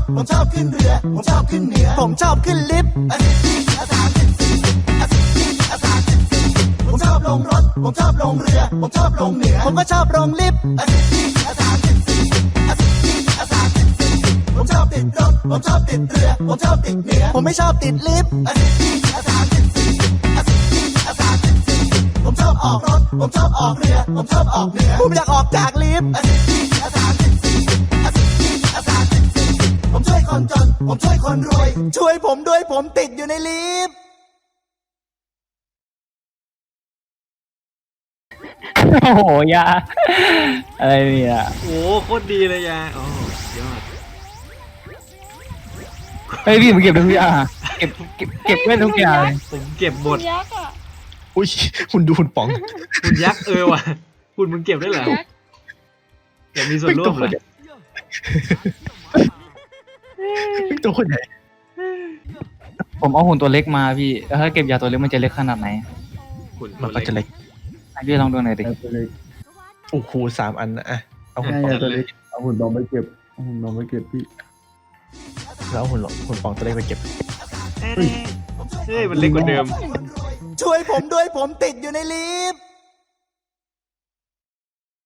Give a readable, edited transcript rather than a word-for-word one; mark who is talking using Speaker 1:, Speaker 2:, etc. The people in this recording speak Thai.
Speaker 1: ผมชอบขึ้นเรือผมชอบขึ้นเหนือผมชอบขึ้นลิฟต์ผมชอบลงรถผมชอบลงเรือผมชอบลงเหนือผมก็ชอบลงลิฟต์ผมชอบติดรถผมชอบติดเรือผมชอบติดเหนือผมไม่ชอบติดลิฟต์ผมชอบออกรถผมชอบออกเรือผมชอบออกเหนือผมอยากออกจากลิฟต์ผมช่วยคนจนผมช่วยคนรวยช่วยผมด้วยผมติดอยู่ในลิฟต์
Speaker 2: โอ้โหยาอะไรเนี่ย
Speaker 3: โอ้โคตรดีเลยยาโอ้ยอด
Speaker 2: เฮ้ยพี่ผมเก็บทุกอย่างเก็บไว้ทุกอย่างเลย
Speaker 3: ผมเก็บหมด
Speaker 4: ยักษ์อ่ะ
Speaker 5: อุ้ยคุณดูคุณป๋อง
Speaker 3: คุณยักษ์ว่ะคุณมึงเก็บได้เหรออยากมีส่วนร่วมเหรอ
Speaker 5: ตัวคนใหญ่
Speaker 2: ผมเอาหุ่นตัวเล็กมาพี่แล้วถ้าเก็บยาตัวเล็กมันจะเล็กขนาดไหน
Speaker 3: คุณ
Speaker 5: มันก็จะเล็ก
Speaker 2: ให้พี่ลองดูหน่อยดิ
Speaker 6: ตัวเล็ก
Speaker 5: โอ้โห3 อันนะอ่ะเอาหุ่น
Speaker 6: ใช่
Speaker 5: ป๋อง
Speaker 6: ตัวเล็กเอาหุ่นบอลไปเก็บเอาหุ่นบอลไปเก็บพี่
Speaker 5: แล้วเอาหุ่นป๋องตัวเล็กไปเก็บ
Speaker 3: เฮ้ยมันเล็กกว่าเดิม
Speaker 1: ช่วยผมด้วยผมติดอยู่ในลิฟต์